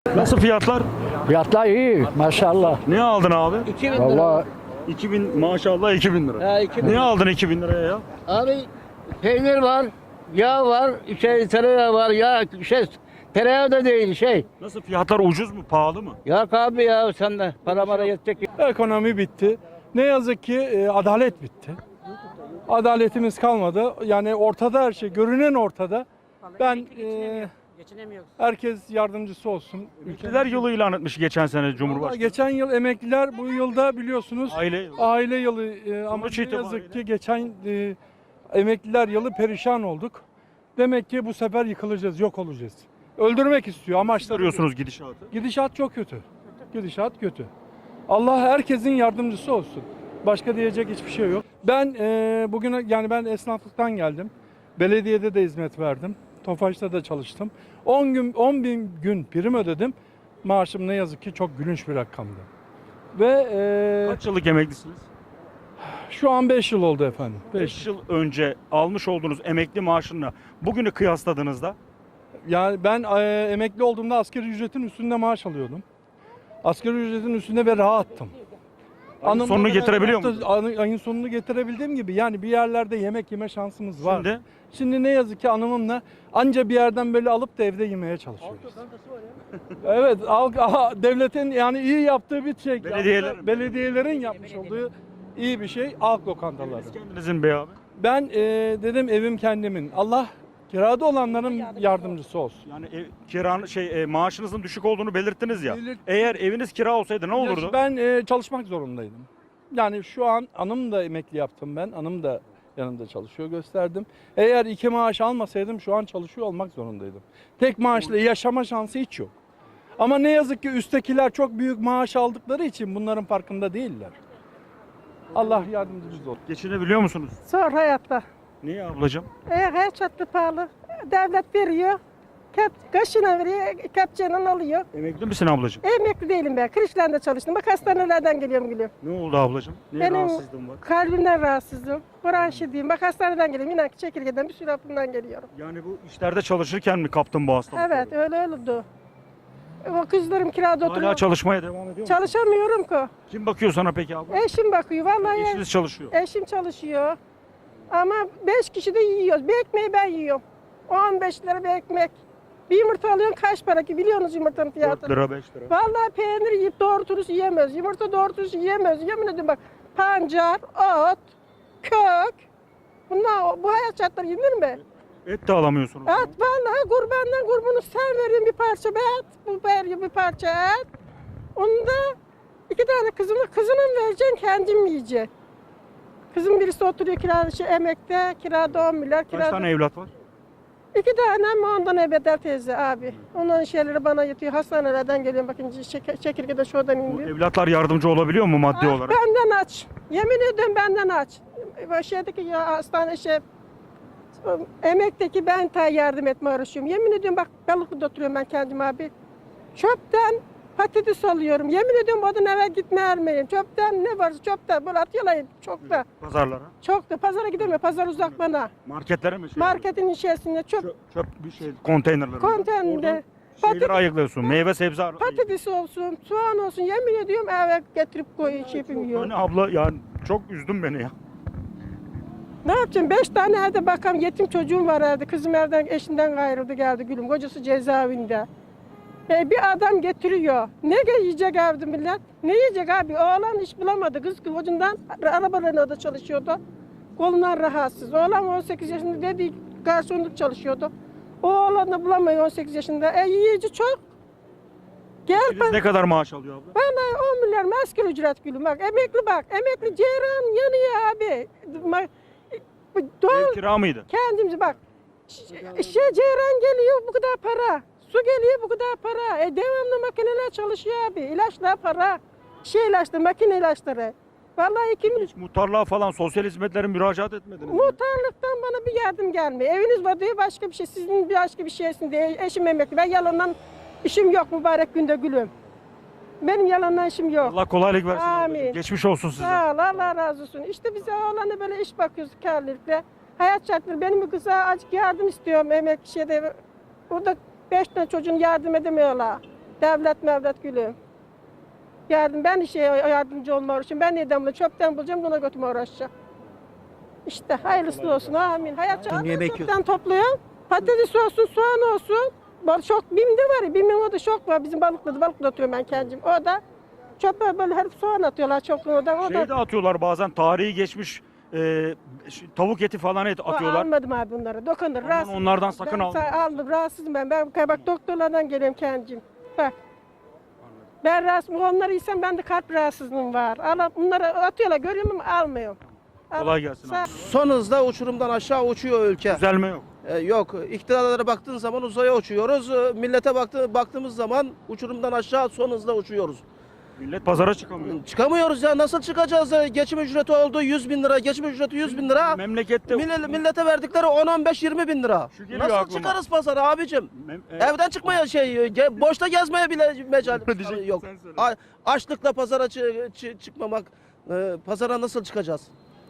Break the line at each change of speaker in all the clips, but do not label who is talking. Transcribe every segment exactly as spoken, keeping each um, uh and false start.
Nasıl fiyatlar?
Fiyatlar iyi maşallah.
Ne aldın abi?
iki bin lira.
Vallahi
iki bin maşallah iki bin lira.
Ha, iki bin.
Ne aldın iki bin liraya ya?
Abi peynir var, yağ var, şey tereyağı var, yağ şey tereyağı da değil şey.
Nasıl fiyatlar ucuz mu pahalı mı?
Yok abi ya sen de para mara yetecek.
Ekonomi bitti. Ne yazık ki e, adalet bitti. Adaletimiz kalmadı. Yani ortada her şey, görünen ortada. Ben e, herkes yardımcısı olsun.
Emekliler yılı ilan etmiş geçen sene
Vallahi
Cumhurbaşkanı.
geçen yıl emekliler, bu yılda biliyorsunuz
Aile yılı.
aile yılı e, ama
Sonuç
ne
itibariyle-
yazık ki geçen e, emekliler yılı perişan olduk. Demek ki bu sefer yıkılacağız, yok olacağız. Öldürmek istiyor amaçları.
Görüyorsunuz gidişatı.
Gidişat çok kötü. Gidişat kötü. Allah herkesin yardımcısı olsun. Başka diyecek hiçbir şey yok. Ben e, bugün yani ben esnaflıktan geldim. Belediyede de hizmet verdim. Tofaş'ta da çalıştım. on gün on bin gün prim ödedim. Maaşım ne yazık ki çok gülünç bir rakamdı. Ve e,
Kaç yıllık emeklisiniz?
şu an beş yıl oldu efendim. beş.
beş yıl önce almış olduğunuz emekli maaşınla bugünü kıyasladığınızda
Yani ben e, emekli olduğumda asgari ücretin üstünde maaş alıyordum. Asgari ücretin üstünde ve rahattım.
Ayın
Hanımla
sonunu
beraber
getirebiliyor
hafta-
musunuz?
Ayın, ayın sonunu getirebildiğim gibi yani bir yerlerde yemek yeme şansımız var.
Şimdi
Şimdi ne yazık ki hanımımla anca bir yerden böyle alıp da evde yemeye çalışıyoruz. Evet, halk- aha, devletin yani iyi yaptığı bir şey.
Belediyelerin.
Belediyelerin yapmış olduğu iyi bir şey halk lokantaları.
siz kendinizin be abi.
Ben e, dedim evim kendimin. Allah kirada olanların yardımcısı olsun.
Yani ev, kiran şey e, maaşınızın düşük olduğunu belirttiniz ya.
Belirt-
Eğer eviniz kira olsaydı ne olurdu?
Ben e, çalışmak zorundaydım. Yani şu an hanım da emekli yaptım ben. Hanım da yanımda çalışıyor gösterdim. Eğer iki maaş almasaydım şu an çalışıyor olmak zorundaydım. Tek maaşla yaşama şansı hiç yok. Ama ne yazık ki üsttekiler çok büyük maaş aldıkları için bunların farkında değiller. Allah yardımcımız olsun.
Geçinebiliyor musunuz?
Zor hayatta.
Niye ablacığım?
E, her çatlı pahalı. Devlet veriyor. Kep, kaşına veriyor, kepçeyle alıyor.
Emekli misin ablacığım?
Emekli değilim ben. Kırışlarında çalıştım. Bak hastanelerden geliyorum gülüm.
Ne oldu ablacığım? Ne
Benim
rahatsızlığın var?
kalbimden rahatsızım. Bronşidiyim. Bak hastaneden geliyorum. İnan ki çekirgeden bir sürü hapından geliyorum.
Yani bu işlerde çalışırken mi kaptın bu hastalığı?
Evet öyle öyle oldu. O kızlarım kirada
Hala
oturuyor.
çalışmaya devam ediyor musun?
Çalışamıyorum ki.
Kim bakıyor sana peki abla?
Eşim bakıyor. Vallahi
Eşiniz çalışıyor.
eşim çalışıyor. Ama beş kişi de yiyoruz. Bir ekmeği ben yiyorum. on beş lira bir ekmek. Bir yumurta alıyorsun kaç para ki biliyorsunuz yumurtanın fiyatını.
dört lira beş lira.
Vallahi peynir yiyip doğru dürüst yiyemez. Yumurta doğru dürüst yiyemez. Yemin ediyorum bak pancar, ot, kök. Bunlar bu hayat şartları yenir mi?
Et de alamıyorsunuz.
Et vallahi kurbandan kurbunu sen veriyorsun bir parça et. Bu veriyor bir parça et. Onu da iki tane kızımı kızına mı vereceksin kendim yiyeceksin. Kızım birisi oturuyor kirada şey, emekte kirada on milyar.
Kaç
Kirada...
tane evlat var?
İki tane ama ondan ebeder teyze abi. Onların şeyleri bana yetiyor. Hastanelerden geliyorum bakın çek- çekirgede şuradan
Bu
indi.
evlatlar yardımcı olabiliyor mu maddi
Ah,
olarak?
benden aç. Yemin ediyorum benden aç. Bu şeydeki ya hastane şey emekteki ben ta yardım etme uğraşıyorum. Yemin ediyorum bak Balıklı'da oturuyorum ben kendim abi. Çöpten patates alıyorum. Yemin ediyorum odun eve gitme ermeyeyim. Çöpten ne varsa çöpten böyle atıyorlar çok da.
Pazarlara.
Çok da pazara gidemiyor. Pazar uzak bana.
Marketlere mi? Şey
Marketin içerisinde çöp
Çöp, çöp bir şey konteynerlere.
konteynerinde.
Şeyleri
Patates-
ayıklıyorsun. Meyve sebze ar-
Patates olsun, soğan olsun yemin ediyorum eve getirip koyuyor şey yapıyorum.
Yani abla yani çok üzdün beni ya.
Ne yapacağım? Beş tane evde bakam yetim çocuğum var evde. Kızım evden eşinden ayrıldı geldi gülüm. Kocası cezaevinde. E, bir adam getiriyor. Ne yiyecek evde millet? Ne yiyecek abi? Oğlan iş bulamadı. Kız kocundan arabalarında da çalışıyordu. Kolundan rahatsız. Oğlan on sekiz yaşında dedi garsonluk çalışıyordu. O oğlan da bulamıyor on sekiz yaşında. E yiyici çok. Gel
Siz ne kadar maaş alıyor abla?
Vallahi on milyar maskeli ücret gülüm bak emekli bak emekli ceyran yanıyor abi. Ma- bu Doğal
Ev kira mıydı?
kendimiz bak Ş- şey ceyran geliyor bu kadar para su geliyor bu kadar para e devamlı makineler çalışıyor abi ilaçlar para şey ilaçları makine ilaçları. Vallahi iki milyon
Hiç muhtarlığa falan sosyal hizmetlere müracaat etmediniz mi?
muhtarlıktan bana bir yardım gelmiyor. Eviniz var diye başka bir şey sizin başka bir şeysin diye eşim emekli ben yalandan işim yok mübarek günde gülüm. Benim yalandan işim yok.
Allah kolaylık versin.
Amin.
ablacığım. Geçmiş olsun size.
Sağ ol, Allah razı olsun. İşte bize oğlanı böyle iş bakıyoruz karlılıkla. Hayat şartları benim bir kıza azıcık yardım istiyorum emek şeyde. Orada beş tane çocuğun yardım edemiyorlar. Devlet mevlet gülüm. Yardım, ben işe yardımcı olma uğraşıyorum. Ben neden bunu çöpten bulacağım, buna götürme uğraşacağım. İşte hayırlısı olsun, amin. Hayat çöpten topluyorum. Patates olsun, soğan olsun. Bak şok, BİM'de var ya, BİM'in orada şok var. Bizim balıklı, balıklı atıyorum ben kendim. O da çöpe böyle herif soğan atıyorlar çokluğun orada. O
Şey
da
de atıyorlar bazen, tarihi geçmiş e, ş- tavuk eti falan et
o
atıyorlar.
almadım abi bunları. Dokunur.
Aman
rahatsız-
onlardan sakın
ben
alma.
sa- aldım. Rahatsızım ben. Ben bak doktorlardan geliyorum kendim. Bak. Ben rahatsız, onları yesem bende kalp rahatsızlığım var. Alıp bunları atıyorlar, görüyorum ama almıyorum. Al-
Kolay gelsin
Sağ-
abi.
Son hızla uçurumdan aşağı uçuyor ülke.
Düzelme yok.
Ee, yok. İktidarlara baktığın zaman uzaya uçuyoruz. Ee, Millete baktı, baktığımız zaman uçurumdan aşağı son hızla uçuyoruz.
Millet pazara çıkamıyor.
Çıkamıyoruz ya. Nasıl çıkacağız? Ee, Geçim ücreti oldu yüz bin lira. Geçim ücreti yüz bin lira.
Memlekette
Mille- millete verdikleri on on beş yirmi bin lira.
Şu geliyor
Nasıl
aklıma.
çıkarız pazara abicim?
Mem- e,
Evden çıkmaya şey, ge- boşta gezmeye bile mecal
Diyecektim,
yok.
sen söyle.
A- açlıkla pazara çı- çı- çıkmamak, e, pazara nasıl çıkacağız?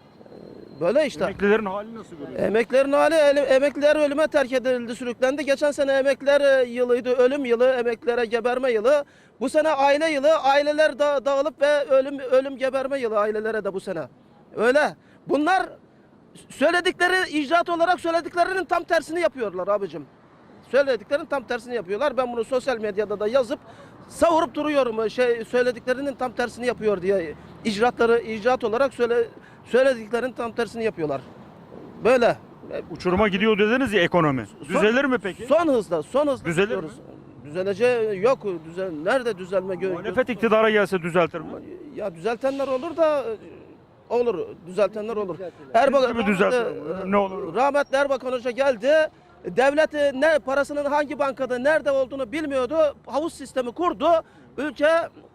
E, Böyle işte.
emeklilerin hali nasıl görüyorsun?
Emeklerin hali, ele- emekliler ölüme terk edildi, sürüklendi. Geçen sene emekliler e, yılıydı, ölüm yılı, emeklilere geberme yılı. Bu sene aile yılı, aileler da, dağılıp ve ölüm ölüm geberme yılı ailelere de bu sene. Öyle. Bunlar söyledikleri, icraat olarak söylediklerinin tam tersini yapıyorlar abicim. Söylediklerinin tam tersini yapıyorlar. Ben bunu sosyal medyada da yazıp savurup duruyorum. Şey söylediklerinin tam tersini yapıyor diye. İcraatları icraat olarak söyle söylediklerinin tam tersini yapıyorlar. Böyle.
Uçuruma gidiyor dediniz ya ekonomi. Düzelir mi peki?
Son hızda, son hızda
Düzelir
gidiyoruz. Düzeleceği yok. Düzel, nerede düzelme gö
Muhalefet iktidara gelse düzeltir mi?
Ya düzeltenler olur da olur. Düzeltenler olur.
Siz gibi düzeltin. Ne olur?
Rahmetli Erbakan Hoca geldi. Devlet e, ne parasının hangi bankada nerede olduğunu bilmiyordu. Havuz sistemi kurdu. Ülke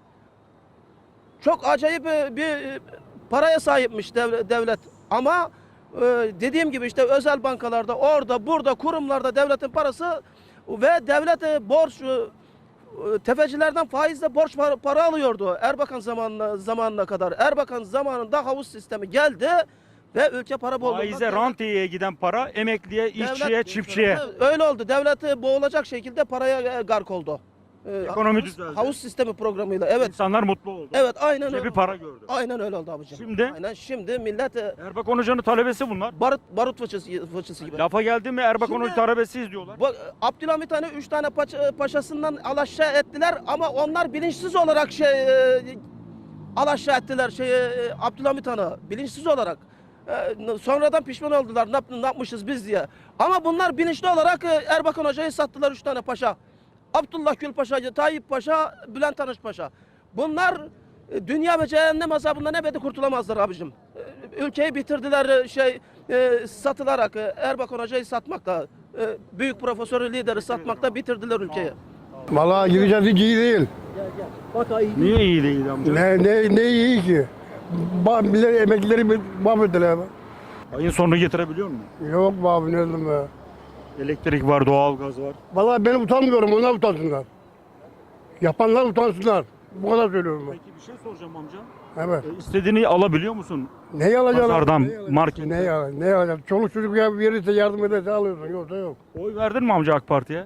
çok acayip e, bir e, paraya sahipmiş dev- devlet. Ama e, dediğim gibi işte özel bankalarda, orada, burada, kurumlarda devletin parası ve devlet e, borç e, tefecilerden faizle borç para, para alıyordu Erbakan zamanına, zamanına kadar. Erbakan zamanında havuz sistemi geldi ve ülke para bolluğundan...
Faize, rantiyeye giden para emekliye, işçiye, çiftçiye.
Öyle oldu. Devlet boğulacak şekilde paraya e, gark oldu. E,
Ekonomi
havuz,
düzeldi.
havuz sistemi programıyla. Evet.
İnsanlar mutlu oldu.
Evet, aynen
Cebi
öyle.
para gördü.
Aynen öyle oldu abicim.
Şimdi?
Aynen şimdi millet e,
Erbakan Hoca'nın talebesi bunlar.
barut barut fıçısı, fıçısı gibi.
Lafa geldi mi Erbakan
Şimdi-
Hoca talebesiyiz diyorlar.
Bu, Abdülhamit Han'ı üç tane paça- paşasından alaşağı ettiler ama onlar bilinçsiz olarak şey e, alaşağı ettiler şey e, Abdülhamit Han'ı bilinçsiz olarak. E, sonradan pişman oldular ne, yap- ne yapmışız biz diye. Ama bunlar bilinçli olarak e, Erbakan Hoca'yı sattılar üç tane paşa. Abdullah Gül Paşa, Tayyip Paşa, Bülent Arınç Paşa. Bunlar e, dünya ve cehennem azabından ebedi kurtulamazlar abicim. E, ülkeyi bitirdiler e, şey e, satılarak e, Erbakan Hoca'yı satmakla, e, büyük profesörü lideri satmakla bitirdiler ülkeyi.
Vallahi gideceğiz hiç iyi değil.
Niye iyi değil amca?
Ne, ne, ne iyi ki? Ba- millet emeklileri bir- mahvettiler. be.
Ayın sonunu getirebiliyor mu?
Yok be abi ne dedim be.
Elektrik var, doğalgaz var.
Vallahi ben utanmıyorum, onlar utansınlar. Yapanlar utansınlar. Bu kadar söylüyorum ben.
Peki bir şey soracağım amca.
Evet.
E, istediğini alabiliyor musun?
Neyi alacaksın?
Pazardan,
Neyi alacaksın?
marketten.
Neyi alacaksın? Neyi alacaksın? Çoluk çocuk ya verirse yardım ederse alıyorsun. Yoksa yok.
Oy verdin mi amca AK Parti'ye?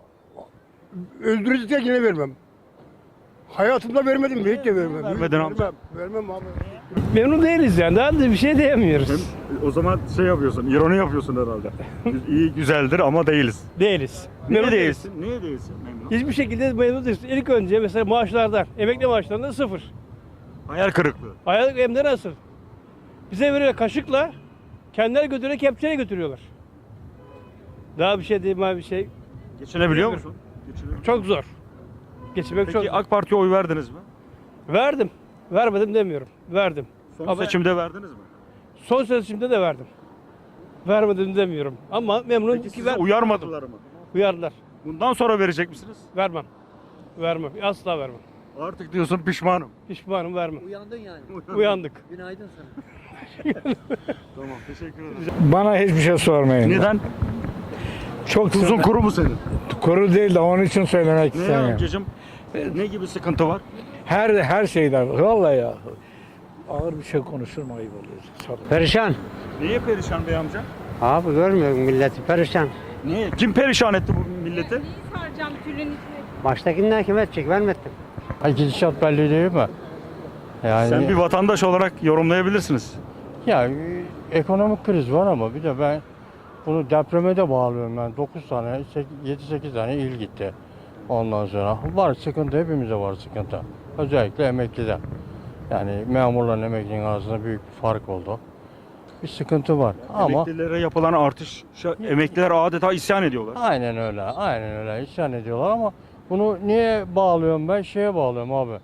Öldürücüse yine vermem. Hayatımda vermedim mi? Hiç de vermem.
Vermedin amca.
Vermem, vermem abi.
Memnun değiliz yani. Daha da bir şey diyemiyoruz.
O zaman şey yapıyorsun, ironi yapıyorsun herhalde. İyi güzeldir ama değiliz.
Değiliz.
Niye
Memnun değiliz.
değilsin? Niye değilsin memnun?
Hiçbir şekilde memnun değiliz. İlk önce mesela maaşlardan, emekli maaşlarından sıfır.
Hayal kırıklığı.
Aylık hem de nasıl? Bize veriyor kaşıkla, kendileri götürüyor, kepçeyle götürüyorlar. Daha bir şey değil mi bir şey.
Geçinebiliyor musun? Geçinebiliyor.
Çok zor. Geçinmek çok
Peki
zor.
AK Parti'ye oy verdiniz mi?
Verdim. Vermedim demiyorum. Verdim.
Son
Ama
seçimde verdiniz mi?
son seçimde de verdim. Vermedim demiyorum. Ama memnun
Peki
ki
sizi
ver,
uyarmadılar mı?
uyardılar.
Bundan sonra verecek misiniz?
Vermem. Vermem. Asla vermem.
Artık diyorsun pişmanım.
Pişmanım vermem.
Uyandın yani.
Uyandık.
Günaydın sana.
Tamam teşekkür ederim.
Bana hiçbir şey sormayın.
Neden?
Çok
Tuzun
sıkı-
kuru mu senin?
kuru değil de onun için söylemek
Ne ya
istemiyorum.
amcacığım? Ne gibi sıkıntı var?
Her her şeyden. Vallahi ya. Ağır bir şey konuşurum ayıp oluyor. Sağ olun.
Perişan.
Niye perişan bey amca?
Abi görmüyor musun milleti perişan.
Niye? Kim perişan etti bu milleti?
Neyi saracağım tülün içine?
Baştakinden kime edecek? Ben mi ettim?
Ay gidişat belli değil mi? Yani
Sen bir vatandaş olarak yorumlayabilirsiniz.
ya e, ekonomik kriz var ama bir de ben bunu depreme de bağlıyorum ben. dokuz tane, yedi sekiz tane il gitti. Ondan sonra var sıkıntı, hepimize var sıkıntı. Özellikle emeklide. Yani memurların emeklinin arasında büyük bir fark oldu. Bir sıkıntı var ama
Emeklilere yapılan artış, emekliler adeta isyan ediyorlar.
aynen öyle, aynen öyle isyan ediyorlar ama bunu niye bağlıyorum ben? Şeye bağlıyorum abi.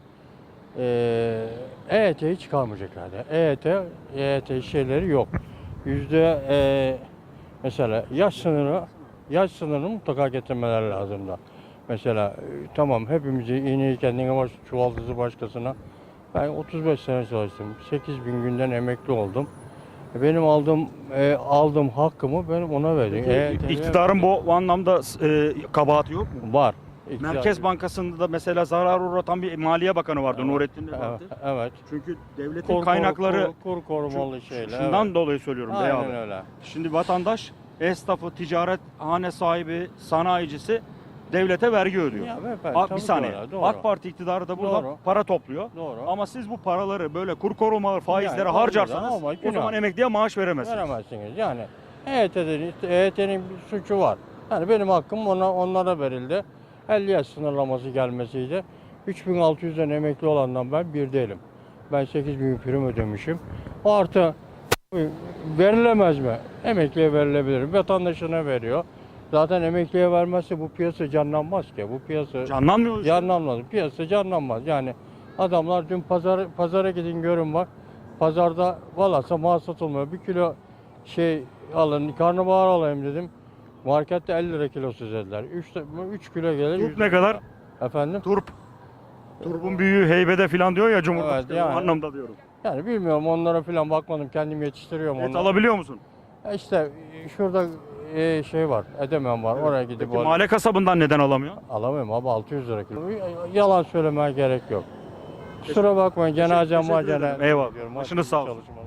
Ee, E Y T'yi çıkarmayacaklardı. E Y T, E Y T şeyleri yok. Yüzde e, mesela yaş sınırı, yaş sınırını mutlaka getirmeleri lazım da. Mesela e, tamam hepimizi iğneyi kendine baş, çuvaldızı başkasına. Ben otuz beş sene çalıştım. sekiz bin günden emekli oldum. Benim aldığım e, aldığım hakkımı benim ona verdim. E Y T'ye
İktidarın bu, bu anlamda e, kabahati yok mu?
var. İktidar-
Merkez Bankası'nda da mesela zarar uğratan bir Maliye Bakanı vardı,
Evet,
Nurettin
Evet,
Nebati.
evet.
Çünkü devletin
Kur,
kaynakları
kur, kur korumalı şeyler.
şundan
evet.
dolayı söylüyorum bey
Aynen
abi.
öyle.
Şimdi vatandaş, esnafı, ticaret hane sahibi, sanayicisi devlete vergi ödüyor.
Ya beyefendi,
A- bir
tabii
saniye.
doğru, doğru.
AK Parti iktidarı da burada
Doğru.
para topluyor.
Doğru.
Ama siz bu paraları böyle kur korumalı faizlere
Yani
harcarsanız
olmadı ama
o zaman
günah.
emekliye maaş veremezsiniz.
Veremezsiniz. Yani E Y T'nin E Y T'nin bir suçu var. Yani benim hakkım ona onlara verildi. elli yaş sınırlaması gelmesiydi. üç bin altı yüzden emekli olandan ben bir değilim. Ben sekiz bin prim ödemişim. Artı verilemez mi? Emekliye verilebilir. Vatandaşına veriyor. Zaten emekliye vermezse bu piyasa canlanmaz ki. Bu piyasa
Canlanmıyor. işte.
canlanmaz. Piyasa canlanmaz. Yani adamlar dün pazar pazara gidin görün bak. Pazarda valasa mal satılmıyor. Bir kilo şey alın, karnabahar alayım dedim. Markette elli lira kilosu dediler. üç kilo gelir.
Turp
yüz
ne kadar?
Efendim?
Turp. Turpun büyüğü heybede falan diyor ya Cumhurbaşkanı.
Evet, yani.
O anlamda diyorum.
Yani bilmiyorum onlara falan bakmadım. Kendim yetiştiriyorum
Et
onları.
alabiliyor musun?
Ya İşte şurada e, şey var. Edemen var. Oraya gidip
Peki
al-
mahalle kasabından neden alamıyor?
alamıyorum abi altı yüz lira kilo. Yalan söylemeye gerek yok. Kusura bakmayın cenazem var.
teşekkür ederim.
Cenaze
Eyvallah.
ediyorum.
Başınız sağ olsun.
Çalışma.